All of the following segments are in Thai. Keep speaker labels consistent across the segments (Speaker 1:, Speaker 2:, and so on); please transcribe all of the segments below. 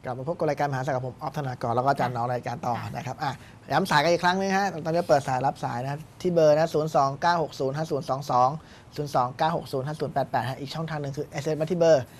Speaker 1: กลับมาพบกับรายการมหาศาลกับผมออฟธนากรแล้วก็อาจารย์น้องรายการต่อนะครับย้ำสายกันอีกครั้งนึงฮะตอนนี้เปิดสายรับสายนะที่เบอร์นะ029605022 029605088ฮะอีกช่องทางหนึ่งคือ SMS มาที่เบอร์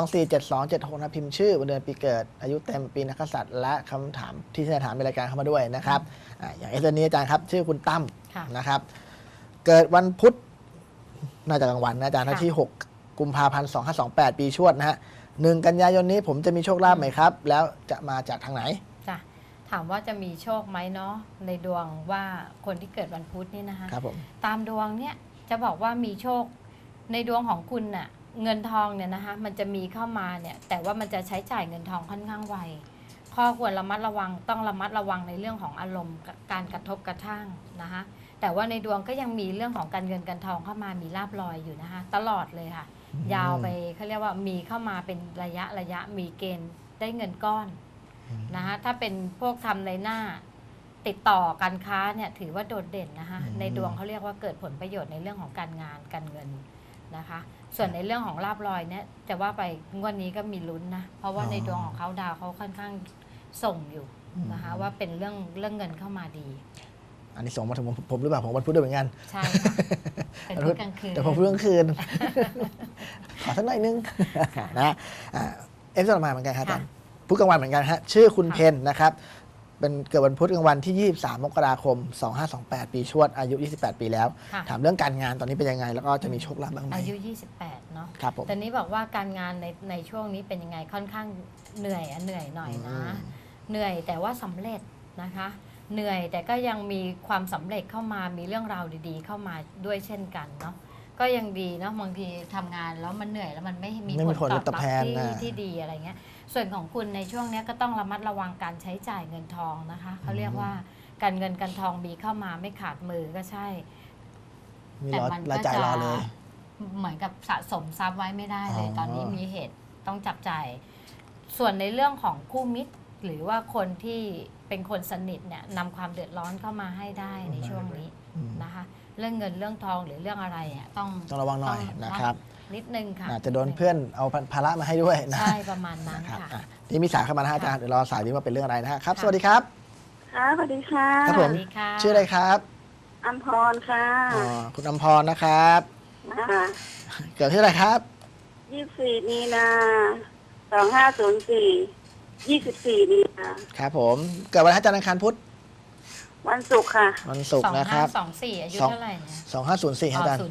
Speaker 1: 4247276นะพิมพ์ชื่อวันเดือนปีเกิดอายุเต็มปีนักกษัตริย์และคำถามที่จะถามในรายการเข้ามาด้วยนะครับอย่างSMS นี้อาจารย์ครับชื่อคุณตั้มนะครับเกิดวันพุธน่าจะกลางวันนะอาจารย์ที่6กุมภาพันธ์2528ปีชวดนะฮะ1 กันยายนนี้ผมจะมีโชคลาภไหมครับแล้วจะมาจากทางไหน
Speaker 2: จ้ะถามว่าจะมีโชคไหมเนาะในดวงว่าคนที่เกิดวันพุธนี่นะคะ
Speaker 1: ครับผม
Speaker 2: ตามดวงเนี่ยจะบอกว่ามีโชคในดวงของคุณน่ะเงินทองเนี่ยนะคะมันจะมีเข้ามาเนี่ยแต่ว่ามันจะใช้จ่ายเงินทองค่อนข้างไวข้อควรระมัดระวังต้องระมัดระวังในเรื่องของอารมณ์การกระทบกระทั่งนะคะแต่ว่าในดวงก็ยังมีเรื่องของการเงินการทองเข้ามามีลาภลอยอยู่นะคะตลอดเลยค่ะยาวไปเขาเรียกว่ามีเข้ามาเป็นระยะมีเกณฑ์ได้เงินก้อนนะคะถ้าเป็นพวกทำในหน้าติดต่อการค้าเนี่ยถือว่าโดดเด่นนะคะในดวงเขาเรียกว่าเกิดผลประโยชน์ในเรื่องของการงานการเงินนะคะส่วนในเรื่องของลาภลอยเนี่ยจะว่าไปงวดนี้ก็มีลุ้นนะเพราะว่าในดวงของเขาดาวเขาค่อนข้างส่งอยู่นะคะว่าเป็นเรื่องเงินเข้ามาดี
Speaker 1: อันนี้ส่งมาถึงผมหรือเปล่าผมวันพุธด้วยเหมือนกัน
Speaker 2: ใช่ค่ะเป็นพุธกลางคืน
Speaker 1: แต่ผมพุธกลางคืนขอสักหน่อยนึงนะต่อมาเหมือนกันครับอาจารย์พุธกลางวันเหมือนกันฮะชื่อคุณเพนนะครับเป็นเกิดวันพุธกลางวันที่23 มกราคม2528ปีชวดอายุ28 ปีแล้วถามเรื่องการงานตอนนี้เป็นยังไงแล้วก็จะมีโชคลาภบ้างไหม
Speaker 2: อายุ28เนาะ
Speaker 1: ครับผม
Speaker 2: ตอนนี้บอกว่าการงานในช่วงนี้เป็นยังไงค่อนข้างเหนื่อยหน่อยนะเหนื่อยแต่ว่าสำเร็จนะคะเหนื่อยแต่ก็ยังมีความสำเร็จเข้ามามีเรื่องราวดีๆเข้ามาด้วยเช่นกันเนาะก็ยังดีเนาะบางทีทำงานแล้วมันเหนื่อยแล้วมันไม่มีผลตอบรับที่ดีอะไรเงี้ยส่วนของคุณในช่วงนี้ก็ต้องระมัดระวังการใช้จ่ายเงินทองนะคะเขาเรียกว่าการเงินการทองมีเข้ามาไม่ขาดมือก็ใช่
Speaker 1: แต่มันก็จะ
Speaker 2: เหมือนกับสะสมทรัพย์ไว้ไม่ได้เลยตอนนี้มีเหตุต้องจับจ่ายส่วนในเรื่องของคู่มิตรหรือว่าคนที่เป็นคนสนิทเนี่ยนำความเดือดร้อนเข้ามาให้ได้ในช่วงนี้นะคะเรื่องเงินเรื่องทองหรือเรื่องอะไรเนี่ยต้อง
Speaker 1: ระวังหน่อยนะครับ
Speaker 2: นิดนึงค่ะ
Speaker 1: จะโดนเพื่อนเอาภาระมาให้ด้วยนะ
Speaker 2: ใช่ประมาณนั้นค่ะ
Speaker 1: นี่มีสายเข้ามานะอาจารย์เดี๋ยวรอสายนี้ว่าเป็นเรื่องอะไรนะครับสวัสดีครับ
Speaker 3: ค่ะสวัสดีค่ะ
Speaker 1: ครับผมชื่ออะไรครับ
Speaker 3: อัมพรค่ะ
Speaker 1: คุณอัมพรนะครับเกิดที่อะไรครับ
Speaker 3: 24 มีนา 2504 24 มีนา
Speaker 1: ครับผมเกิดวันอาจารย์อังคารพุธ
Speaker 3: วันศุกร์ค่ะ
Speaker 1: วันศุกร์นะครับ
Speaker 2: 2524อายุเท่าไหร่เนี่ย
Speaker 1: 2504อาจารย์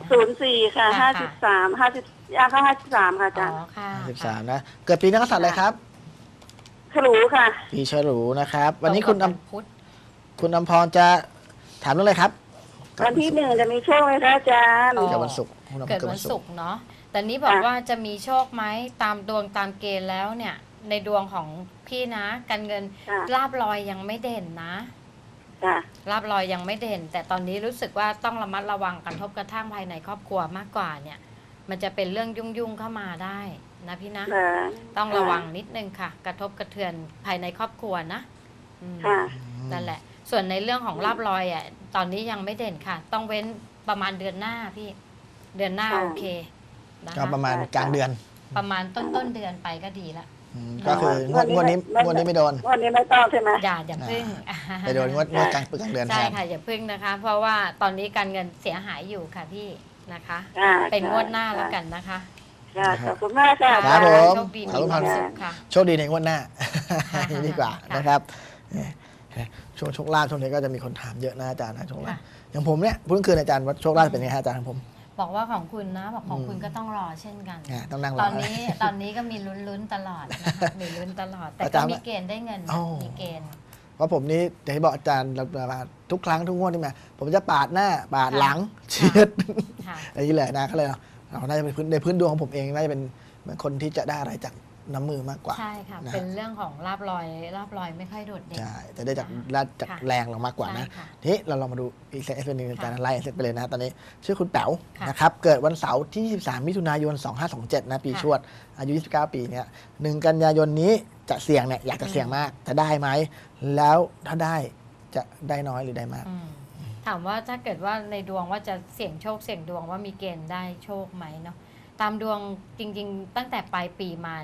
Speaker 3: 04ค่ะ53ย่างเข้า53ค่ะอาจารย์
Speaker 1: 53นะเกิดปีนักกษัตริย์อะไรครับ
Speaker 3: ฉลูค่ะ
Speaker 1: ปีฉลูนะครับวันนี้คุณอัมพรจะถามเรื่องอะไรครับ
Speaker 3: วันที่1จะมีโชคไหมคะอาจารย์
Speaker 1: เกิดวันศุกร์
Speaker 2: เกิดวันศุกร์เนาะแต่นี้บอกว่าจะมีโชคไหมตามดวงตามเกณฑ์แล้วเนี่ยในดวงของพี่นะการเงินลาภลอยยังไม่เด่นนะลาภลอยยังไม่เด่นแต่ตอนนี้รู้สึกว่าต้องระมัดระวังกระทบกระทั่งภายในครอบครัวมากกว่าเนี่ยมันจะเป็นเรื่องยุ่งเข้ามาได้นะพี่นะต้องระวังนิดนึงค่ะกระทบกระเทือนภายในครอบครัวนะนั่นแหละส่วนในเรื่องของลาภลอยอ่ะตอนนี้ยังไม่เด่นค่ะต้องเว้นประมาณเดือนหน้าพี่เดือนหน้าโอเค
Speaker 1: ก็ประมาณกลางเดือน
Speaker 2: ประมาณต้นเดือนไปก็ดีละ
Speaker 1: ก็คืองวดนี้ไม่โดน
Speaker 3: งวดนี้ไม่ต้องใช่ไหม
Speaker 2: อย่าพึ่ง
Speaker 1: ไปโดนงวดกลางเดือน
Speaker 2: ใช่ค่ะอย่าพึ่งนะคะเพราะว่าตอนนี้การเงินเสียหายอยู่ค่ะพี่นะคะเป็นงวดหน้าแล้วกันนะคะ
Speaker 3: ขอบคุณมากค่ะ
Speaker 1: ครับผม
Speaker 2: โชคดีมีความสุขค่ะ
Speaker 1: โชคดีในงวดหน้าดีกว่านะครับช่วงโชคลาภช่วงนี้ก็จะมีคนถามเยอะนะอาจารย์นะโชคลาภอย่างผมเนี่ยเพิ่งคืนอาจารย์ว่าโชคลาภเป็นไงอาจารย์ของผม
Speaker 2: บอกว่าของคุณนะบอกของคุณก็ต้องรอเช่นกัน
Speaker 1: ต้องนั่งรอ
Speaker 2: ตอนนี้ก็มีลุ้นตลอดนะคะมีลุ้นตลอดแต่ก็มีเกณฑ์ได้เงินมีเกณฑ์
Speaker 1: เพราะผมนี่อย่างที่บอกอาจารย์มาทุกครั้งทุกงวดที่มาผมจะปาดหน้าปาดหลังเฉียดอะไรอย่างนี้เลยนะก็เลยเราน่าจะเป็นในพื้นดวงของผมเองน่าจะเป็นเหมือนคนที่จะได้อะไรจากน้ำมือมากกว่า
Speaker 2: ใช่ค่ะเป็นเรื่องของลาภลอยไม่ค่อยโดดเด่น
Speaker 1: ใช่จะได้จากแรงเรามากกว่านะทีนี้เราลองมาดูอีกเซตเป็นหนึ่งการไล่เซตไปเลยนะตอนนี้ชื่อคุณแป๋วนะครับเกิดวันเสาร์ที่23 มิถุนายน 2527นะปีชวดอายุ29 ปีเนี่ย1 กันยายนนี้จะเสี่ยงเนี่ยอยากจะเสี่ยงมากจะได้ไหมแล้วถ้าได้จะได้น้อยหรือได้มาก
Speaker 2: ถามว่าถ้าเกิดว่าในดวงว่าจะเสี่ยงโชคเสี่ยงดวงว่ามีเกณฑ์ได้โชคไหมเนาะตามดวงจริงๆตั้งแต่ปลายปีมาเนี่ยเข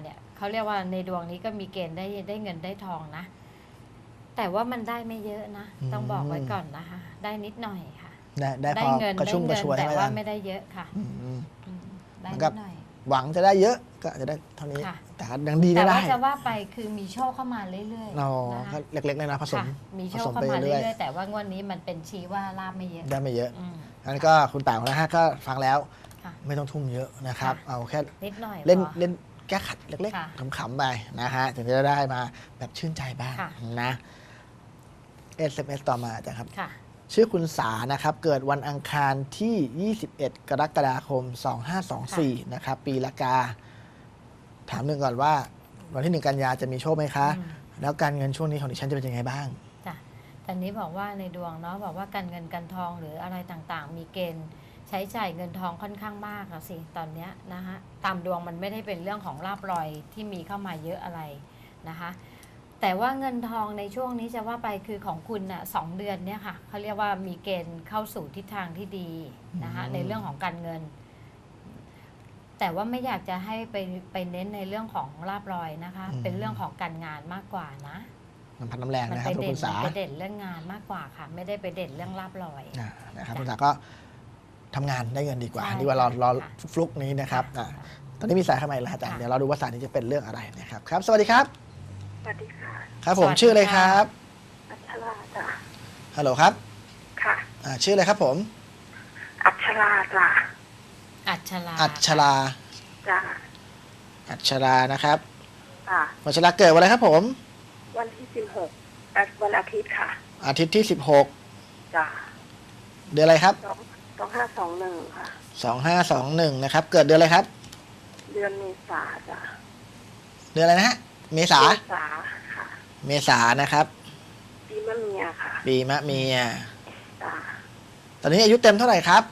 Speaker 2: เขาเรียกว่าในดวงนี้ก็มีเกณฑ์ได้เงินได้ทองนะแต่ว่ามันได้ไม่เยอะนะต้องบอกไว้ก่อนนะคะได้นิดหน่อยค่ะ
Speaker 1: ได้พอกระชุ่มกระชวย
Speaker 2: แต่
Speaker 1: ใช่ไหม
Speaker 2: ว่า
Speaker 1: อาจารย์
Speaker 2: ไม่ได้เยอะค่ะได้
Speaker 1: มัน
Speaker 2: นิ
Speaker 1: ก็
Speaker 2: ดหน่อย
Speaker 1: หวังจะได้เยอะก็อาจจะได้เท่านี้
Speaker 2: ค่ะ
Speaker 1: แต่ก็ยังดี
Speaker 2: แต่
Speaker 1: ได้
Speaker 2: ว่าจะว่าไปคือมีโชคเข้ามาเรื่อย
Speaker 1: เรา
Speaker 2: ๆนะ
Speaker 1: ก็
Speaker 2: คะ
Speaker 1: เล็กๆเลยนะผสม
Speaker 2: ค่ะมีโช
Speaker 1: ผ
Speaker 2: ค
Speaker 1: สม
Speaker 2: เข้า
Speaker 1: ไป
Speaker 2: มา
Speaker 1: เรื่
Speaker 2: เรื่
Speaker 1: อย
Speaker 2: อยๆแต่ว่างวดนี้มันเป็นชี้ว่าลาบไม่เยอะ
Speaker 1: ๆได้ไม่เยอะ
Speaker 2: อืม
Speaker 1: อันนก็คุณป่านะฮะก็ฟังแล้ว
Speaker 2: ค่ะ
Speaker 1: ไม่ต้องทุ่มเยอะนะครับ
Speaker 2: ค่ะ
Speaker 1: เอาแค่
Speaker 2: นิดหน่อย
Speaker 1: เล่น
Speaker 2: พอ
Speaker 1: เล่นแก้ขัดเล็ก
Speaker 2: ค่ะ
Speaker 1: ๆขำๆไปนะฮะถึงจะได้มาแบบชื่นใจบ้าง
Speaker 2: ค่ะ
Speaker 1: นะ SMS ต่อมาอาจารย์ครับ
Speaker 2: ค่ะ
Speaker 1: ชื่อคุณสานะครับ เกิดวันอังคารที่ 21 กรกฎาคม 2524 นะครับ ปีละกา ถามหนึ่งก่อนว่า วันที่ 1 กันยาจะมีโชคไหมคะ
Speaker 2: อืม
Speaker 1: แล้วการเงินช่วงนี้ของดิฉันจะเป็นยังไงบ้าง
Speaker 2: จ้ะตอนนี้บอกว่าในดวงเนาะบอกว่าการเงินการทองหรืออะไรต่างๆ มีเกณฑ์ใช้จ่ายเงินทองค่อนข้างมากอะสิตอนเนี้ยนะคะตามดวงมันไม่ได้เป็นเรื่องของลาภลอยที่มีเข้ามาเยอะอะไรนะคะแต่ว่าเงินทองในช่วงนี้จะว่าไปคือของคุณน่ะ2 เดือนเนี่ยค่ะเขาเรียกว่ามีเกณฑ์เข้าสู่ทิศทางที่ดีนะคะ
Speaker 1: อืม
Speaker 2: ในเรื่องของการเงิน แต่ว่าไม่อยากจะให้ไปเน้นในเรื่องของลาภลอยนะคะ เป็นเรื่องของการงานมากกว่านะ
Speaker 1: มันพันน้ำแรง
Speaker 2: มัน
Speaker 1: นะครับ
Speaker 2: ไป
Speaker 1: ทุก
Speaker 2: เด่
Speaker 1: คุ
Speaker 2: น
Speaker 1: ณสา
Speaker 2: ไปเด่นเรื่องงานมากกว่าค่ะ ไม่ได้ไปเด่นเรื่องลาบลอย
Speaker 1: นะครับ
Speaker 2: จ้ะ
Speaker 1: คุณสาก็ทำงานได้เงินดีกว่า
Speaker 2: ใช่
Speaker 1: ดีกว่ารอ
Speaker 2: ค่ะ
Speaker 1: ฟลุกนี้นะครับ
Speaker 2: ค่ะ
Speaker 1: ตอนนี้มีสายเข้ามาอีกแล้วอาจารย์
Speaker 2: ค่ะ
Speaker 1: เดี๋ยวเราดูว่าสายนี้จะเป็นเรื่องอะไรนะครับครับ สวัสดีครับ
Speaker 3: สวัสดีค่ะ
Speaker 1: ครับผม
Speaker 2: สวัสดี
Speaker 1: ชื่ออะไร
Speaker 2: ค่ะ
Speaker 1: ครับ
Speaker 3: อัชราจ้ะ
Speaker 1: ฮัลโหลครับ
Speaker 3: ค่ะ
Speaker 1: ชื่ออะไรครับผม
Speaker 3: อัชราจ้ะ
Speaker 2: อัชรา
Speaker 1: อัชรา
Speaker 3: จ้ะ
Speaker 1: อัชรานะครับ
Speaker 3: จ้ะ
Speaker 1: อัชราเกิดวันอะไรครับผม
Speaker 3: วันที่16วันอาทิตย์ค่ะ
Speaker 1: อาทิตย์ที่
Speaker 3: จ้ะ
Speaker 1: 16 เดือนอะไรครับ
Speaker 3: 2521ค่ะ
Speaker 1: 2521 นะครับ เกิดเดือนอะไรครับ
Speaker 3: เดือนเมษาจ้ะ
Speaker 1: เดือนอะไรนะฮะ เมษา
Speaker 3: เมษาค่ะ
Speaker 1: เมษานะครับ
Speaker 3: ปีมะเมียค่ะ
Speaker 1: ปีมะเมีย
Speaker 3: จ้ะ
Speaker 1: ตอนนี้อายุเต็มเท่าไหร่ครับ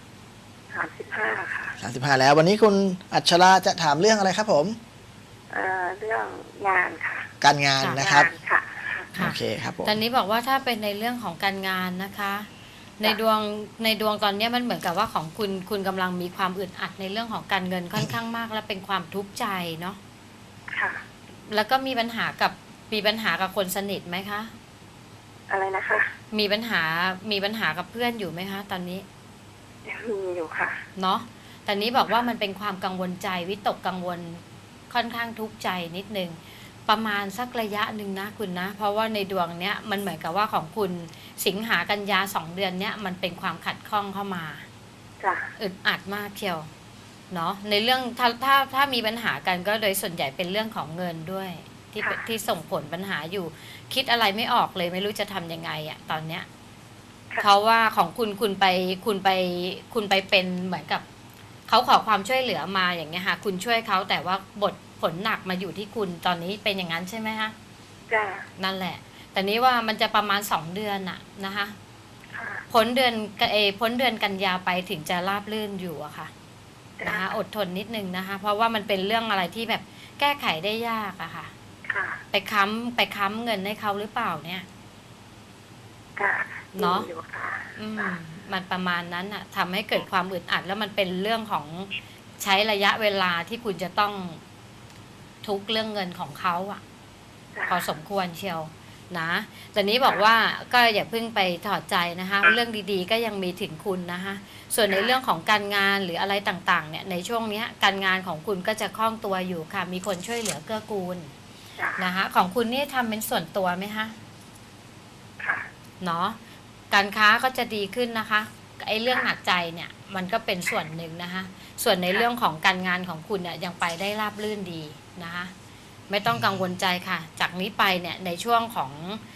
Speaker 3: 35ค่ะ
Speaker 1: 35 แล้ว วันนี้คุณอัชราจะถามเรื่องอะไรครับผม
Speaker 3: เรื่องงานค่ะ
Speaker 1: การงานนะครับ
Speaker 3: งานค่ะ
Speaker 2: ค่ะ
Speaker 1: โอเคครับผม
Speaker 2: ตอนนี้บอกว่าถ้าเป็นในเรื่องของการงานนะคะ ในดวงตอนนี้มันเหมือนกับว่าของคุณกำลังมีความอึดอัดในเรื่องของการเงินค่อนข้างมาก และเป็นความทุกข์ใจเนาะ
Speaker 3: ค่ะ
Speaker 2: แล้วก็มีปัญหากับคนสนิทไหมคะ
Speaker 3: อะไรนะคะ
Speaker 2: มีปัญหากับเพื่อนอยู่ไหมคะ ตอนนี้
Speaker 3: ยังมีอยู่ค่ะ
Speaker 2: เนาะแต่นี้บอกว่ามันเป็นความกังวลใจวิตกกังวลค่อนข้างทุกข์ใจนิดนึงประมาณสักระยะหนึ่งนะคุณนะ เพราะว่าในดวงเนี้ยมันเหมือนกับว่าของคุณสิงหากันยา2 เดือนเนี้ยมันเป็นความขัดข้องเข้ามา
Speaker 3: จ้ะ
Speaker 2: อึดอัดมากเชียวเนาะในเรื่องถ้ามีปัญหากันก็โดยส่วนใหญ่เป็นเรื่องของเงินด้วยที่ส่งผลปัญหาอยู่ คิดอะไรไม่ออกเลยไม่รู้จะทำยังไงอะตอนเนี้ย เพราะว่าของคุณไปเป็นเหมือนกับเขาขอความช่วยเหลือมาอย่างเงี้ยค่ะคุณช่วยเขาแต่ว่าผลหนักมาอยู่ที่คุณตอนนี้เป็นอย่างนั้นใช่ไหมคะ
Speaker 3: จ้ะ
Speaker 2: นั่นแหละ แต่นี้ว่ามันจะประมาณ2 เดือนอะนะคะ
Speaker 3: ค่ะ
Speaker 2: พ้นเดือนกันยาไปถึงจะราบรื่นอยู่อะค่ะนะคะอดทนนิดนึงนะคะ เพราะว่ามันเป็นเรื่องอะไรที่แบบแก้ไขได้ยากอะค่ะ
Speaker 3: ค่ะ
Speaker 2: ไปค้ำเงินให้เขาหรือเปล่าเนี่ย
Speaker 3: ค่ะ
Speaker 2: เนาะ
Speaker 3: มีอยู่ค่ะ
Speaker 2: มันประมาณนั้นอะทำให้เกิดความอึดอัดแล้วมันเป็นเรื่องของใช้ระยะเวลาที่คุณจะต้องทุกข์เรื่องเงินของเขาอะ
Speaker 3: จ้ะ
Speaker 2: พอสมควรเชียวนะแต่นี้บอกว่าก็อย่าเพิ่งไปถอดใจนะคะ เรื่องดีๆก็ยังมีถึงคุณนะคะส่วนในเรื่องของการงานหรืออะไรต่างๆเนี่ยในช่วงนี้การงานของคุณก็จะคล่องตัวอยู่ค่ะ มีคนช่วยเหลือเกื้อกูล
Speaker 3: จ้ะ
Speaker 2: นะคะของคุณนี่ทำเป็นส่วนตัวไหมคะ
Speaker 3: ค่ะ
Speaker 2: เนาะการค้าก็จะดีขึ้นนะคะไอ้เรื่องหนักใจเนี่ยมันก็เป็นส่วนหนึ่งนะคะส่วนในเรื่องของการงานของคุณเนี่ยยังไปได้ราบรื่นดีนะคะไม่ต้องกังวลใจค่ะ จากนี้ไปเนี่ยในช่วงของ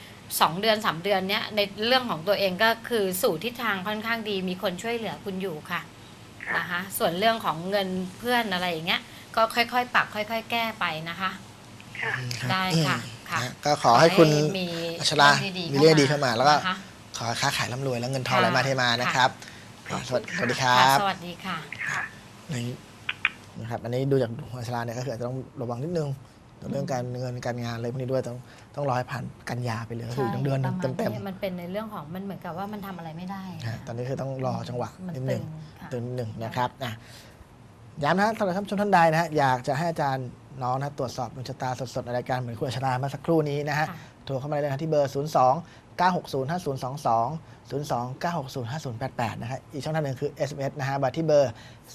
Speaker 2: 2 เดือน 3 เดือนเนี้ยในเรื่องของตัวเองก็คือสู่ทิศทางค่อนข้างดีมีคนช่วยเหลือคุณอยู่ค่ะ
Speaker 3: ค่ะ
Speaker 2: นะคะส่วนเรื่องของเงินเพื่อนอะไรอย่างเงี้ยก็ค่อยๆปรับค่อยๆแก้ไปนะคะ
Speaker 3: ค่ะ
Speaker 2: ได้ค่ะค่ะ
Speaker 1: ก็ขอให้คุณ
Speaker 2: มี
Speaker 1: อัชรา มีเรื่องดีเข้ามาแล้วก็
Speaker 2: นะคะ
Speaker 1: ขอให้ค้าขายร่ำรวยแล้วเงินทองไหลมาเทมานะครับ
Speaker 3: ค่ะ
Speaker 1: สวัสดีครั
Speaker 2: ค่ะ
Speaker 1: บ
Speaker 2: สวัสดีค่ะ
Speaker 3: ค่ะ
Speaker 1: นี่นะครับอันนี้ดูจากอัชราเนี่ยก็คืออาจจะต้องระวังนิดนึงเรื่องการเงินการงานอะไรพวกนี้ด้วยต้องรอให้ผ่านกันยาไปเลยก็คือเดือนหนึง
Speaker 2: ประมาณ
Speaker 1: เต็ม
Speaker 2: นี้มันเป็นในเรื่องของมันเหมือนกับว่ามันทำอะไรไม่ได้
Speaker 1: ๆตอนนี้คือต้องรอจังหวะ
Speaker 2: มัน
Speaker 1: นิด
Speaker 2: ตึ
Speaker 1: นึง
Speaker 2: งค่ะ
Speaker 1: ตึงนิดนึงนะครับย้ำนะสำหรับท่านผู้ชมท่านใดนะฮะอยากจะให้อาจารย์น้องนะตรวจสอบดวงชะตาสดๆในรายการเหมือนคุณอัชราเมื่อสักครู่นี้นะฮะ
Speaker 2: ค่ะ
Speaker 1: โทรเข้ามาได้เลยนะที่เบอร์ 02 960 5022 02 960 5088 นะครับอีกช่องทางหนึ่งคือ SMS นะฮะบัตรที่เบอร์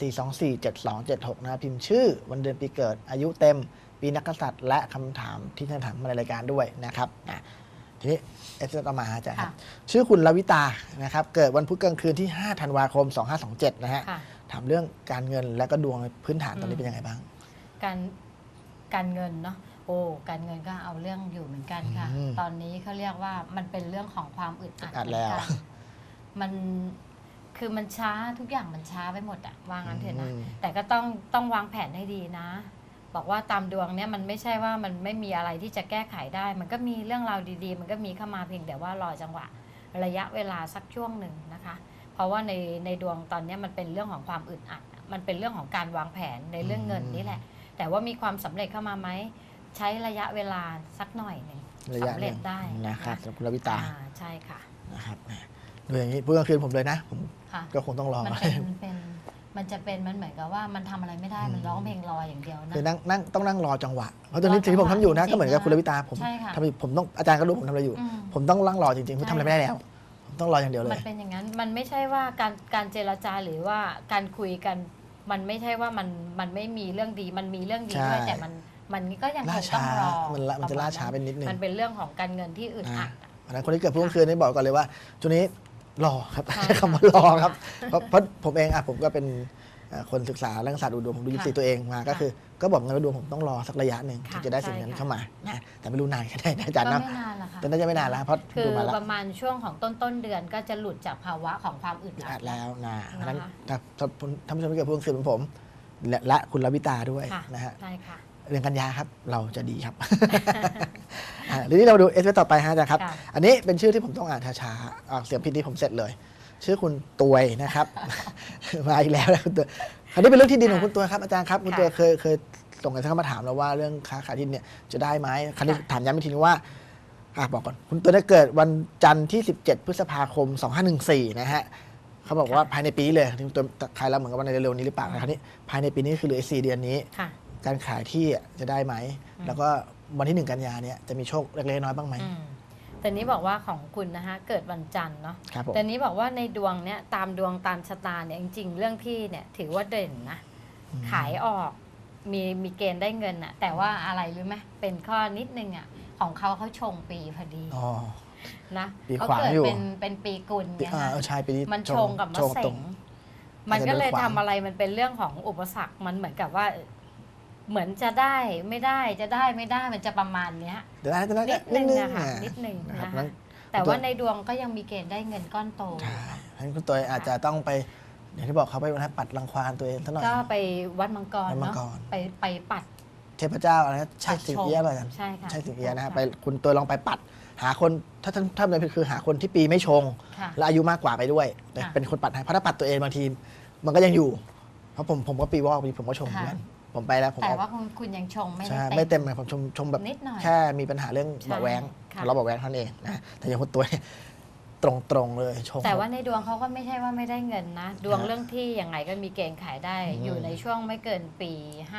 Speaker 1: 4247276 นะพิมพ์ชื่อวันเดือนปีเกิดอายุเต็ม ปีนักกษัตริย์และคำถามที่ท่านถามมาในรายการด้วยนะครับทีนี้ SMS ต่อมาอาจารย์ครับ
Speaker 2: ค่ะ
Speaker 1: ชื่อคุณลวิตานะครับเกิดวันพุธกลางคืนที่ 5 ธันวาคม 2527 นะฮะ
Speaker 2: ค่ะ
Speaker 1: ถามเรื่องการเงินและก็ดวงพื้นฐานตอนนี้เป็นยังไงบ้าง
Speaker 2: การเงินเนาะโอ้การเงินก็เอาเรื่องอยู่เหมือนกันค่ะ
Speaker 1: อืม
Speaker 2: ตอนนี้เขาเรียกว่ามันเป็นเรื่องของความอึดอัด
Speaker 1: อัด
Speaker 2: เหมื
Speaker 1: แล้
Speaker 2: อน
Speaker 1: ว
Speaker 2: กันมันคือมันช้าทุกอย่างมันช้าไปหมดอะว่างั้นเถอะนะ
Speaker 1: อืม
Speaker 2: แต่ก็ต้องวางแผนให้ดีนะ บอกว่าตามดวงเนี้ยมันไม่ใช่ว่ามันไม่มีอะไรที่จะแก้ไขได้ มันก็มีเรื่องราวดีๆ มันก็มีเข้ามาเพียงแต่ว่ารอจังหวะระยะเวลาสักช่วงหนึ่งนะคะ เพราะว่าในดวงตอนเนี้ยมันเป็นเรื่องของความอึดอัด มันเป็นเรื่องของการวางแผนในเรื่องเงินนี่แหละ แต่ว่ามีความสำเร็จเข้ามาไหมใช้ระยะเวลาสักหน่อยหนึ่ง
Speaker 1: ระยะ
Speaker 2: สำ
Speaker 1: ห
Speaker 2: เร็
Speaker 1: นึ่
Speaker 2: จ
Speaker 1: ง
Speaker 2: ได้
Speaker 1: นะครับสำหรับคุณลวิตา
Speaker 2: ใช่ค่ะ
Speaker 1: นะครับดูอย่างนี้พูดกลางคืนผมเลยนะผม
Speaker 2: ค่ะ
Speaker 1: ก็คงต้องรอ
Speaker 2: มันเหมือนกับว่ามันทำอะไรไม่ได้มันร้องเพลงรออย่างเดียวนะ
Speaker 1: คือต้องนั่งรอจังหวะเพราะตอนนี้สิ่งที่ผมทำอยู่นะ
Speaker 2: จริงๆ
Speaker 1: ก็เหมือนกับคุณลวิตาผม
Speaker 2: ใช่ค่ะ
Speaker 1: ทำอยู่ผมต้องอาจารย์ก็รู้ผมทำอะไรอยู่
Speaker 2: อืม
Speaker 1: ผมต้องนั่งรอจริงๆผมทำอะไรไม่ได้แล้วผมต้องรออย่างเดียวเล
Speaker 2: มัน
Speaker 1: ย
Speaker 2: เป็นอย่างนั้น มันไม่ใช่ว่าการเจรจาหรือว่าการคุยกัน มันไม่ใช่ว่ามันไม่มีเรื่องดี มันมีเรื่องดีด้วย
Speaker 1: ใช่
Speaker 2: แต่มันก็ยังค
Speaker 1: ล่าง
Speaker 2: ต้อง
Speaker 1: ช้าร
Speaker 2: อ
Speaker 1: มันจะล่าช้าไปนิดนึง
Speaker 2: มันเป็นเรื่องของการเงินที่อึดอัดอะ
Speaker 1: เพราะฉะนั้นคนที่เกิดพุธกลางคืนนี่บอกก่อนเลยว่าช่วงนี้รอครับ
Speaker 2: ใช่
Speaker 1: ใช้คำว่ารอครับเพราะผมเองผมก็เป็นคนศึกษาเรื่องศาสตร์ดูดวงผมดูยิปซีตัวเองมาก็คือก็บอกกันว่าดวงผมต้องรอสักระยะหนึ่ง
Speaker 2: ค่ะ
Speaker 1: ที่จะได้สิ่งนั้นเข้ามานะแต่ไม่รู้นานแค่ไหนนะอาจารย์
Speaker 2: ก็
Speaker 1: นะ
Speaker 2: ไม่นานละค่ะ
Speaker 1: แต่น่าจะไม่นานแล้วเพราะ
Speaker 2: คือ
Speaker 1: ดูมาแล้ว
Speaker 2: ประมาณช่วงของต้นเดือนก็จะหลุดจากภาวะของความอึดอั
Speaker 1: อั
Speaker 2: ด
Speaker 1: ดแล้วนะเพราะฉะนั้น
Speaker 2: นะคะ
Speaker 1: ถ้าท่านผู้ชมที่เกิดพุธกลางคืนเหมือนผมและคุณลวิตาด้วย
Speaker 2: ค่ะ
Speaker 1: นะฮะ
Speaker 2: ใช่ค่ะ
Speaker 1: เรื่องกันยาครับเราจะดีครับ ทีนี้เราดูเอสต่อไปฮะอาจารย์ครับ
Speaker 2: ค่ะ
Speaker 1: อันนี้เป็นชื่อที่ผมต้องอ่านช้าๆออกเสียงผิดที่ผมเสร็จเลย ชื่อคุณตวยนะครับ มาอีกแล้วนะคุณตวยคราวนี้เป็นเรื่องที่ดินของคุณตวยครับอาจารย์ครับคุณตวยเคยส่งกันเข้ามาถามเราว่าเรื่องค้าขายที่ดินเนี่ยจะได้ไหมคราวนี้ถามย้ำอีกทีนึงว่าบอกก่อนคุณตวยได้เกิดวันจันทร์ที่ 17 พฤษภาคม 2514 นะฮะเขาบอกว่าภายในปีนี้เลยที่คุณตวยใครแล้วเหมือนกับว่าในเร็วๆนี้หรือเปล่านะคราวนี้ภายในปีนี้คือเหลือ4 เดือนนี้
Speaker 2: ค่ะ
Speaker 1: การขายที่จะได้ไหม แล้วก็วันที่ 1 กันยาเนี่ยจะมีโชคเล็กๆน้อยๆบ้างไหม
Speaker 2: แต่นี้บอกว่าของคุณนะคะเกิดวันจันทร์เนาะ
Speaker 1: ครับผม
Speaker 2: แต่นี้บอกว่าในดวงเนี้ยตามดวงตามชะตาเนี่ยจริงๆ เรื่องที่เนี่ยถือว่าเด่นนะ ขายออกมีเกณฑ์ได้เงินอะแต่ว่าอะไรรู้ไหมเป็นข้อนิดนึงอะของเขาชงปีพอดี
Speaker 1: อ๋อ
Speaker 2: นะ
Speaker 1: ปี
Speaker 2: เขา
Speaker 1: ขวาง
Speaker 2: เกิด
Speaker 1: อยู่
Speaker 2: เป็นปีกุลเนี่ยนะ
Speaker 1: ใช่ปีนี้
Speaker 2: มันชงกับมะ
Speaker 1: ชง
Speaker 2: เส
Speaker 1: ตรง ง
Speaker 2: มันก็เลย
Speaker 1: อาจจะโดนขวาง
Speaker 2: ทำอะไรมันเป็นเรื่องของอุปสรรคมันเหมือนกับว่า เหมือนจะได้ไม่ได้จะได้ไม่ได้มันจะประมาณเนี้ย
Speaker 1: เดี๋ยวนะ
Speaker 2: นิดนึง
Speaker 1: นิ
Speaker 2: นะคะนิดนึง
Speaker 1: นะครับ
Speaker 2: นะ
Speaker 1: งั้
Speaker 2: คะ
Speaker 1: น
Speaker 2: แต่ว่าในดวงก็ยังมีเกณฑ์ได้เงินก้อนโต
Speaker 1: ใช่งั้นคุณตัวอาจจะต้องไปอย่างที่บอกเขาไปวันนั้นปัดรังควานตัวเองซะหน่อย
Speaker 2: ก็ไปวัดมังกร
Speaker 1: วัดมัง
Speaker 2: เนาะ
Speaker 1: กร
Speaker 2: ไปปัด
Speaker 1: เทพเจ้าอะไรนะใช่
Speaker 2: ปัด
Speaker 1: สิง
Speaker 2: ชง
Speaker 1: เอี้ยป่ะอาจารย์
Speaker 2: ใช่ค่ะ
Speaker 1: ใช่สิงเอี้ยนะฮะ
Speaker 2: ค่ะ
Speaker 1: ไปคุณตัวลองไปปัด หาคนถ้าในคือหาคนที่ปีไม่ชง
Speaker 2: ค่ะ
Speaker 1: และอายุมากกว่าไปด้วยแต่
Speaker 2: ค่ะ
Speaker 1: เป็นคนปัดให้เพราะถ้าปัดตัวเองบางทีมันก็ยังอยู่ เพราะผมก็ปีวอกปีผมก็ชงเหมือนกันผมไปแล้วผม
Speaker 2: แต่
Speaker 1: เอา
Speaker 2: ว่าคุณยังชงไม่
Speaker 1: ใช่
Speaker 2: ได้
Speaker 1: ไม่
Speaker 2: เต็
Speaker 1: เต็
Speaker 2: ม
Speaker 1: มเลยผมชมแบบ
Speaker 2: นิดหน่อย
Speaker 1: แค่มีปัญหาเรื่อง
Speaker 2: ใช่
Speaker 1: เบาะแว้ง
Speaker 2: ค่ะ
Speaker 1: ทะเลาะเบาะแว้งเท่านั้นเองนะแต่อย่างคุณตัวเนี่ยตรงๆเลยชง
Speaker 2: แต่ว่าในดวงเขาก็ไม่ใช่ว่าไม่ได้เงินนะ ดวง
Speaker 1: ฮะ
Speaker 2: เรื่องที่ยังไงก็มีเกณฑ์ขายได้
Speaker 1: อืม
Speaker 2: อยู่ในช่วงไม่เกินปี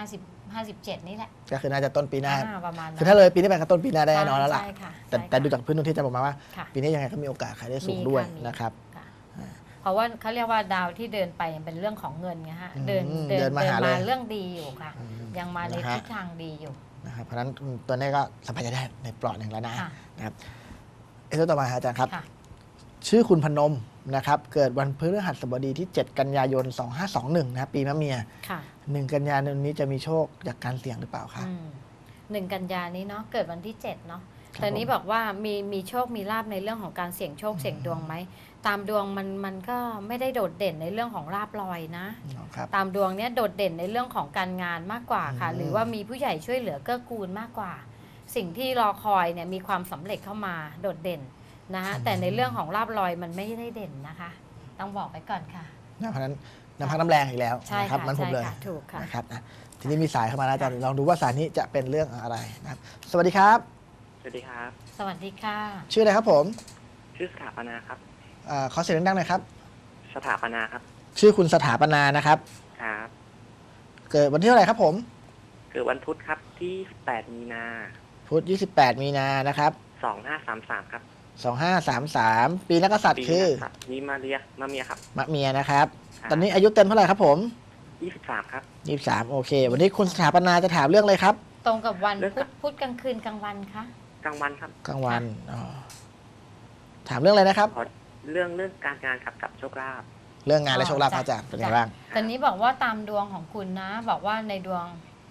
Speaker 2: 57นี่แหละ
Speaker 1: ก็คือน่าจะต้นปีหน้า
Speaker 2: ประมาณนั้น
Speaker 1: คือถ้าเลยปีนี้ไปก็ต้นปีหน้าได้แน่นอนแล้วล่ะ
Speaker 2: ใช่ค่ะ
Speaker 1: แต่
Speaker 2: ใช่ค่ะ
Speaker 1: แต่ดูจากพื้นดวงที่จะบอกมาว่า
Speaker 2: ค่ะ
Speaker 1: ปีนี้ยังไงก็มีโอกาสขายได้สูง
Speaker 2: มี
Speaker 1: ด้วย
Speaker 2: ค่ะมี
Speaker 1: นะครับ
Speaker 2: ค่ะเพราะว่าเขาเรียกว่าดาวที่เดินไปเป็นเรื่องของเงินไงฮะ
Speaker 1: อืม
Speaker 2: เดิน
Speaker 1: เดินมาหาเลย
Speaker 2: เรื่องดีอยู่ค่ะ
Speaker 1: อืม
Speaker 2: ยังมาใน
Speaker 1: นะฮะ
Speaker 2: ทิศทางดีอยู่
Speaker 1: นะครับเพราะฉะนั้นตัวนี้ก็สบายใจได้ในเปลอดหนึ่งแล้วนะ
Speaker 2: ค่ะ
Speaker 1: นะครับเอสต่อมาครับอาจารย์ครับ
Speaker 2: ค่ะ
Speaker 1: ชื่อคุณพนมนะครับเกิดวันพฤหัสบดีที่ 7 กันยายน 2521นะครับปีมะเมีย
Speaker 2: ค่ะ
Speaker 1: 1 กันยายนนี้จะมีโชคจากการเสี่ยงหรือเปล่าคะ
Speaker 2: 1 กันยานี้เนาะเกิดวันที่7เนาะ
Speaker 1: ครับ
Speaker 2: แต่นี้
Speaker 1: ผม
Speaker 2: บอกว่ามีโชคมีลาบในเรื่องของการเสี่ยงโชคเสี่ยงดวงไหมตามดวงมันก็ไม่ได้โดดเด่นในเรื่องของลาบลอยนะ
Speaker 1: ครับ
Speaker 2: ตามดวงเนี้ยโดดเด่นในเรื่องของการงานมากกว่าค่ะ
Speaker 1: อืม
Speaker 2: หรือว่ามีผู้ใหญ่ช่วยเหลือเกื้อกูลมากกว่า สิ่งที่รอคอยเนี่ยมีความสำเร็จเข้ามาโดดเด่นนะฮะแต่ในเรื่องของลาบลอยมันไม่ได้เด่นนะคะ ต้องบอกไปก่อนค่ะ
Speaker 1: เพราะฉะนั้นน้ำพักน้ำแรงอีกแล้ว
Speaker 2: ใช่
Speaker 1: นะครับ
Speaker 2: ค่ะ
Speaker 1: มันผม
Speaker 2: ใช่
Speaker 1: เลย
Speaker 2: ค่ะถูกค่ะ
Speaker 1: นะครับทีนี้มีสายเข้ามาแล้วอาจารย์ลองดูว่าสายนี้จะเป็นเรื่องอะไรนะครับสวัสดีครับ
Speaker 4: สวัสดีครับ
Speaker 2: สวัสดีค่ะ
Speaker 1: ชื่ออะไรครับผม
Speaker 4: ชื่อสถาปนาครับ
Speaker 1: ขอเสียงดังๆหน่อยครับ
Speaker 4: สถาปนาครับ
Speaker 1: ชื่อคุณสถาปนานะครับ
Speaker 4: ครับ
Speaker 1: เกิดวันที่เท่าไหร่ครับผม
Speaker 4: เกิดวันพุธครับที่8มีนา
Speaker 1: พุธ28 มีนานะครับ
Speaker 4: 2533ครับ
Speaker 1: 2533 ปีนักกษัตริย์คือ
Speaker 4: ปีนะครับมีมาเมียครับ
Speaker 1: มะเมียนะครับ
Speaker 4: ครับ
Speaker 1: ตอนนี้อายุเต็มเท่าไหร่ครับผม
Speaker 4: 23ครับ
Speaker 1: 23 โอเค วันนี้คุณสถาปนาจะถามเรื่องอะไรครับ
Speaker 2: ตรงกับวัน
Speaker 4: เรื่อง
Speaker 2: พุธกลางคืนกลางวันคะ
Speaker 4: กลางวันครับ
Speaker 1: กลางวันอ๋อถามเรื่องอะไรนะครับ
Speaker 4: ขอเรื่องการงานครับกับโชคลาภ
Speaker 1: เรื่องงานและโชคลาภอาจารย์เป็นไงบ้าง
Speaker 2: ตอนนี้บอกว่าตามดวงของคุณนะ บอกว่าในดวง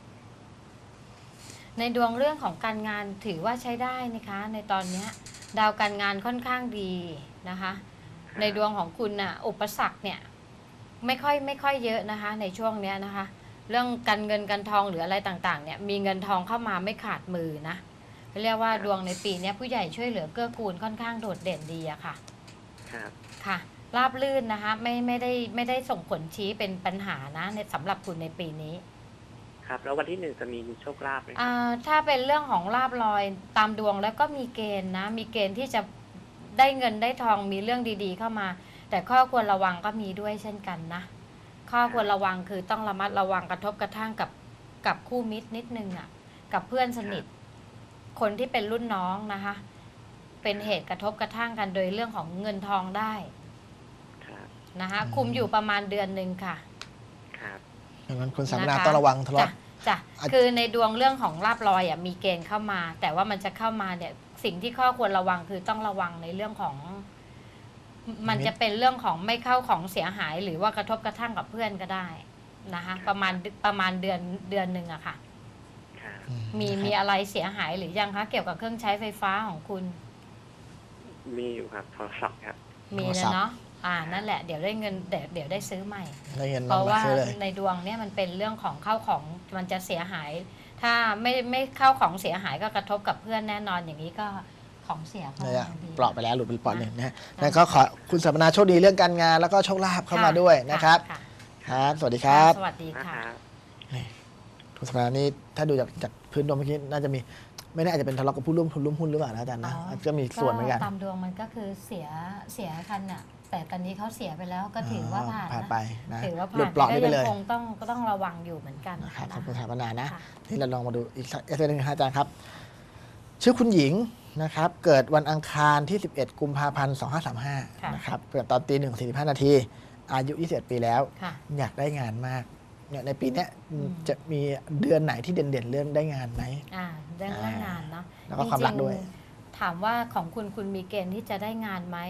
Speaker 2: เรื่องของการงานถือว่าใช้ได้นะคะ ในตอนเนี้ยดาวการงานค่อนข้างดีนะคะ ในดวงของคุณน่ะอุปสรรคเนี่ยไม่ค่อยเยอะนะคะ ในช่วงเนี้ยนะคะ เรื่องการเงินการทองหรืออะไรต่างๆเนี่ยมีเงินทองเข้ามาไม่ขาดมือนะเรียกว่าดวงในปีนี้ผู้ใหญ่ช่วยเหลือเกื้อกูลค่อนข้างโดดเด่นดีอะค่ะ
Speaker 4: ครับ
Speaker 2: ค่ะราบลื่นนะคะไม่ได้ส่งผลชี้เป็นปัญหานะในสำหรับคุณในปีนี้
Speaker 4: ครับแล้ววันที่1จะมีโชคลาภไหมครับ
Speaker 2: ถ้าเป็นเรื่องของลาบลอยตามดวงแล้วก็มีเกณฑ์นะมีเกณฑ์ที่จะได้เงินได้ทองมีเรื่องดีๆเข้ามา แต่ข้อควรระวังก็มีด้วยเช่นกันนะข้อควรระวังคือต้องระมัดระวังกระทบกระทั่งกับคู่มิตรนิดนึงอ่ะกับเพื่อนสนิทคนที่เป็นรุ่นน้องนะคะเป็นเหตุกระทบกระทั่งกันโดยเรื่องของเงินทองได้
Speaker 4: ครับ
Speaker 2: นะคะคุมอยู่ประมาณเดือนหนึ่งค่ะ
Speaker 4: ครับ
Speaker 1: ดังนั้นคุณสถาปนา
Speaker 2: นะคะ
Speaker 1: ต้องระวังทะเลาะ
Speaker 2: จ้ะ
Speaker 1: อ่ะ
Speaker 2: คือในดวงเรื่องของลาบลอยอ่ะมีเกณฑ์เข้ามา แต่ว่ามันจะเข้ามาเนี่ยสิ่งที่ข้อควรระวังคือต้องระวังในเรื่องของ มันจะเป็นเรื่องของไม่เข้าของเสียหายหรือว่ากระทบกระทั่งกับเพื่อนก็ได้นะคะประมาณเดือนหนึ่งอะค่ะ
Speaker 4: ครับ
Speaker 2: มีอะไรเสียหายหรือยังคะเกี่ยวกับเครื่องใช้ไฟฟ้าของคุณ
Speaker 4: มีอยู่ครับโทรศัพท์ครับ
Speaker 2: มีแล้วเนาะนั่นแหละเดี๋ยวได้เงินเดี๋ยวได้ซื้อใหม่
Speaker 1: ได้เงิน
Speaker 2: เพราะ
Speaker 1: มา
Speaker 2: ว่า
Speaker 1: ซื้อเลย
Speaker 2: ในดวงเนี่ยมันเป็นเรื่องของเข้าของมันจะเสียหาย ถ้าไม่เข้าของเสียหายก็กระทบกับเพื่อนแน่นอนอย่างนี้ก็ของเสียเข้า
Speaker 1: เนี่ย
Speaker 2: มาดี
Speaker 1: เปราะไปแล้วหลุดไปเปราะหนึ่งนะฮะนั่นก็ขอคุณสถาปนาโชคดีเรื่องการงานแล้วก็โชคลาภเข้ามาด้วยนะครับ
Speaker 2: ะ
Speaker 1: ครับ สวัสดีครับ
Speaker 2: สวัสดี
Speaker 4: นะ
Speaker 2: ค่ะ
Speaker 4: ครับ
Speaker 1: คุณสถาปนานี่ถ้าดูจากพื้นดวงเมื่อกี้น่าจะมีไม่แน่อาจจะเป็นทะเลาะกับผู้ร่วมหุ้นหรือเปล่านะอาจารย์นะก็มีส่วนเหมือนกัน
Speaker 2: ตามดวงมันก็คือเสียคันน่ะแต่ตอนนี้เขาเสียไปแล้วก็ถือว่าผ่าน
Speaker 1: ผ่าน
Speaker 2: นะ
Speaker 1: ไปนะ
Speaker 2: ถือว่า
Speaker 1: หลุ
Speaker 2: ผ่า
Speaker 1: ด
Speaker 2: น
Speaker 1: เปราะนี่ไป
Speaker 2: ก็
Speaker 1: เล
Speaker 2: ยั
Speaker 1: ย
Speaker 2: คงต้องระวังอยู่เหมือนกัน
Speaker 1: นะครับขอบคุณ
Speaker 2: นะ
Speaker 1: สถาปนานะ
Speaker 2: ค่ะ
Speaker 1: ที่เราลองมาดูอีกสักหนึ่งครับอาจารย์ครับ ชื่อคุณหญิงนะครับ เกิดวันอังคารที่ 11 กุมภาพันธ์ 2535 นะครับ เกิดตอนตี 1:45 นาที อายุ 21 ปีแล้ว
Speaker 2: ค่ะ
Speaker 1: อยากได้งานมากเนี่ยในปีเนี้ย
Speaker 2: อืม
Speaker 1: จะมีเดือนไหนที่เด่นๆเรื่องได้งานไหม
Speaker 2: เรื่องงานเนาะ
Speaker 1: แล้วก็ความรักด้วย
Speaker 2: จงๆถามว่าของคุณมีเกณฑ์ที่จะได้งานไหม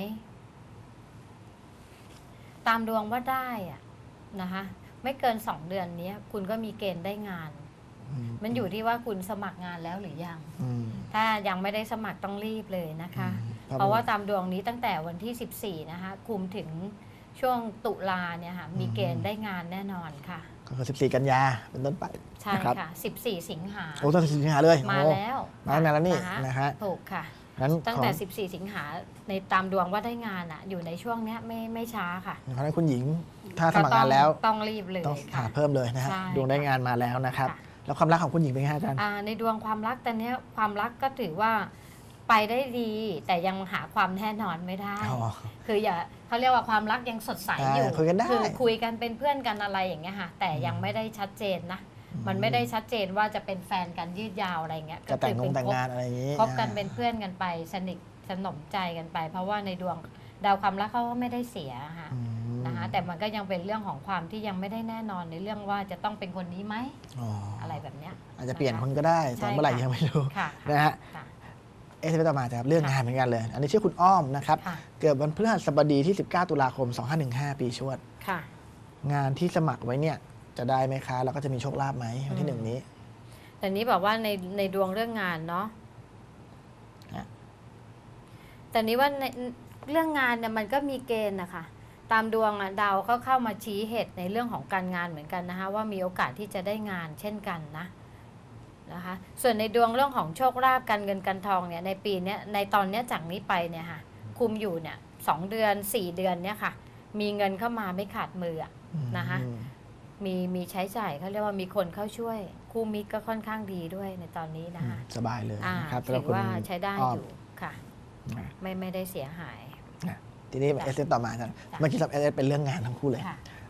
Speaker 2: ตามดวงว่าได้อะนะคะไม่เกิน2 เดือนนี้คุณก็มีเกณฑ์ได้งาน มันอยู่ที่ว่าคุณสมัครงานแล้วหรือยัง
Speaker 1: อืม
Speaker 2: ถ้ายังไม่ได้สมัครต้องรีบเลยนะคะ
Speaker 1: อืม
Speaker 2: เพราะว่าตามดวงนี้ตั้งแต่วันที่ 14 นะคะคุมถึงช่วงตุลาเนี่ยค่ะมีเกณฑ์ได้งานแน่นอนค่ะ
Speaker 1: ก็คือ 14 กันยาเป็นต้นไป
Speaker 2: ใช่
Speaker 1: นะครับ
Speaker 2: ค่ะ 14 สิงหา
Speaker 1: โอ้ตั้งแต่สิงหาเลย
Speaker 2: มา
Speaker 1: โอ้
Speaker 2: แล้ว
Speaker 1: มาตั้งนานแล้วนี่
Speaker 2: ค
Speaker 1: นะฮะ
Speaker 2: ถูกค่ะ
Speaker 1: นั้น
Speaker 2: ตั้ง
Speaker 1: ของ
Speaker 2: แต่ 14 สิงหาในตามดวงว่าได้งานอะอยู่ในช่วงเนี้ยไม่ช้าค่ะ
Speaker 1: เพราะฉะนั้นคุณหญิงถ้าสมัครงานแล้ว
Speaker 2: ต้องรีบเลย
Speaker 1: ต้องหา
Speaker 2: ค่ะ
Speaker 1: เพิ่มเลยนะฮะ
Speaker 2: ใช่
Speaker 1: ดวงได้งานมาแล้วนะครับ
Speaker 2: ค่ะ
Speaker 1: แล้วความรักของคุณหญิงเป็นไงฮะอาจารย์
Speaker 2: ในดวงความรักตอนเนี้ยความรักก็ถือว่าไปได้ดี แต่ยังหาความแน่นอนไม่ได้
Speaker 1: อ๋อ
Speaker 2: คืออย่าเขาเรียกว่าความรักยังสดใสอยู่
Speaker 1: คุยกันได้
Speaker 2: คือคุยกันเป็นเพื่อนกันอะไรอย่างเงี้ยค่ะ แต่ยังไม่ได้ชัดเจนนะ มันไม่ได้ชัดเจนว่าจะเป็นแฟนกันยืดยาวอะไรเงี้ย
Speaker 1: จะแต่ง
Speaker 2: คือ
Speaker 1: แต่งงานอะไรอย่างนี้
Speaker 2: คบกันเป็นเพื่อนกันไปสนิทสนมใจกันไป เพราะว่าในดวงดาวความรักเขาก็ไม่ได้เสียค่ะ
Speaker 1: อืม
Speaker 2: นะคะแต่มันก็ยังเป็นเรื่องของความที่ยังไม่ได้แน่นอนในเรื่องว่าจะต้องเป็นคนนี้ไหม
Speaker 1: อ๋ออ
Speaker 2: อะไรแบบเนี้ย
Speaker 1: อาจจะเปลี่ยนคนก็ได้แต่เมื่อไหร่ยังไม่รู้
Speaker 2: ค่ะ
Speaker 1: นะฮะ
Speaker 2: ค่ะ
Speaker 1: ไปต่อมาจะเรื่องงานเหมือนกันเลย อันนี้ชื่อคุณอ้อมนะครับ
Speaker 2: ค่ะ
Speaker 1: เกิดวันพฤหัสบดีที่ 19 ตุลาคม 2515 ปีชวด
Speaker 2: ค่ะ
Speaker 1: งานที่สมัครไว้เนี่ยจะได้ไหมคะ แล้วก็จะมีโชคลาภไหมวันที่หนึ่งนี้
Speaker 2: แต่นี้บอกว่าในดวงเรื่องงานเนาะ
Speaker 1: อ่ะ
Speaker 2: แต่นี้ว่าในเรื่องงานเนี่ยมันก็มีเกณฑ์นะคะตามดวงอะดาวก็เข้ามาชี้เหตุในเรื่องของการงานเหมือนกันนะคะว่ามีโอกาสที่จะได้งานเช่นกันนะคะส่วนในดวงเรื่องของโชคลาภการเงินการทองเนี่ยในปีเนี้ยในตอนเนี้ยจากนี้ไปเนี่ยค่ะคุมอยู่เนี่ย2 เดือน 4 เดือนเนี่ยค่ะมีเงินเข้ามาไม่ขาดมืออะ นะคะ
Speaker 1: อืม
Speaker 2: มีใช้จ่ายเขาเรียกว่ามีคนเข้าช่วย คู่มิตรก็ค่อนข้างดีด้วยในตอนนี้นะคะ
Speaker 1: สบายเลย
Speaker 2: อ่า
Speaker 1: นะครับ
Speaker 2: ถือว่าใช้ได้
Speaker 1: อ้อม
Speaker 2: อยู่ค่ะ
Speaker 1: นะ
Speaker 2: ไม่ได้เสียหาย
Speaker 1: ทีนี้เอสต่อมาอาจารย์เมื่อกี้สับเอสเป็นเรื่องงานทั้งคู่เลย
Speaker 2: ค่ะ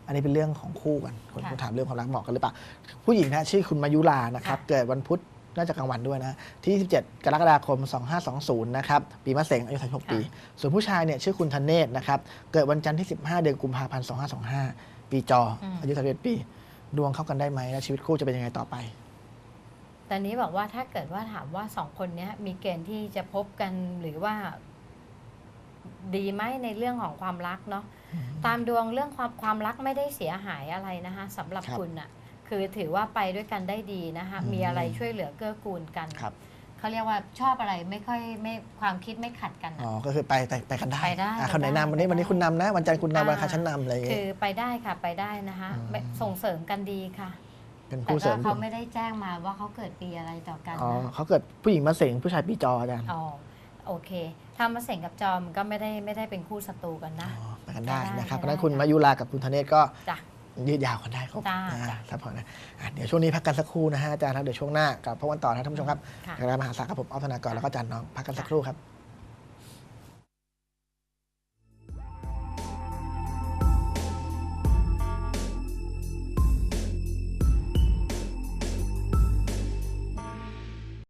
Speaker 1: อันนี้เป็นเรื่องของคู่กันคน
Speaker 2: ค่ะ
Speaker 1: ถามเรื่องความรักเหมาะกันหรือเปล่าผู้หญิงนะชื่อคุณมายุรานะครับ
Speaker 2: ค่ะ
Speaker 1: เกิดวันพุธน่าจะกลางวันด้วยนะที่27 กรกฎาคม 2520นะครับปีมะเสงอายุ36 ปี ส่วนผู้ชายเนี่ยชื่อคุณธเนศนะครับเกิดวันจันทร์ที่ 15 เดือนกุมภาพันธ์ 2525 ปีจออายุ31 ปี ดวงเข้ากันได้ไหมและชีวิตคู่จะเป็นยังไงต่อไป
Speaker 2: แต่นี้บอกว่าถ้าเกิดว่าถามว่า2 คนเนี้ยมีเกณฑ์ที่จะพบกันหรือว่าดีไหมในเรื่องของความรักเนาะตามดวงเรื่องความรักไม่ได้เสียหายอะไรนะคะสำหรับ
Speaker 1: ครับ
Speaker 2: คุณอะคือถือว่าไปด้วยกันได้ดีนะคะ
Speaker 1: อืม
Speaker 2: มีอะไรช่วยเหลือเกื้อกูลกัน
Speaker 1: ครับ
Speaker 2: เขาเรียกว่าชอบอะไรไม่ค่อยไม่ความคิดไม่ขัดกัน
Speaker 1: อ๋
Speaker 2: อะ
Speaker 1: อก็คือไปกันได้
Speaker 2: ไปได้
Speaker 1: คนไหนนำวันนี้
Speaker 2: ไปได้
Speaker 1: คุณนำนะวันจันทร์คุณนำวันอังคารฉันนำอะไรอย่าง
Speaker 2: คื
Speaker 1: เงี้
Speaker 2: อย ไปได้ค่ะไปได้นะคะ
Speaker 1: อืม
Speaker 2: ไม่ส่งเสริมกันดีค่ะ
Speaker 1: เป็น
Speaker 2: แต่
Speaker 1: คู่เสริ
Speaker 2: ก็
Speaker 1: ม
Speaker 2: เขาไม่ได้แจ้งมาว่าเขาเกิดปีอะไรต่อกัน
Speaker 1: อ๋อ
Speaker 2: นะ
Speaker 1: เขาเกิดผู้หญิงมะเสงผู้ชายปีจออาจารย์
Speaker 2: อ๋อโอเคถ้ามาเสงกับจอมก็ไม่ได้เป็นคู่ศัตรูกันนะ
Speaker 1: อ๋อไปกันได้นะครับเพ
Speaker 2: ไปได้
Speaker 1: ราะฉะนั้นคุณมายุรากับคุณธเนศก็
Speaker 2: จ้ะ
Speaker 1: ยืดยาวกันได้ครับ
Speaker 2: จ้า
Speaker 1: ซัพพอร์ตนะเดี๋ยวช่วงนี้พักกันสักครู่นะฮะอาจารย์ครับเดี๋ยวช่วงหน้ากลับพบกันต่อนะท่านผู้ชมครับ
Speaker 2: ค่ะ
Speaker 1: กระมหาศาลครับผมออฟธนากรแล้วก็อาจารย์น้องพักกันสักครู่ครับ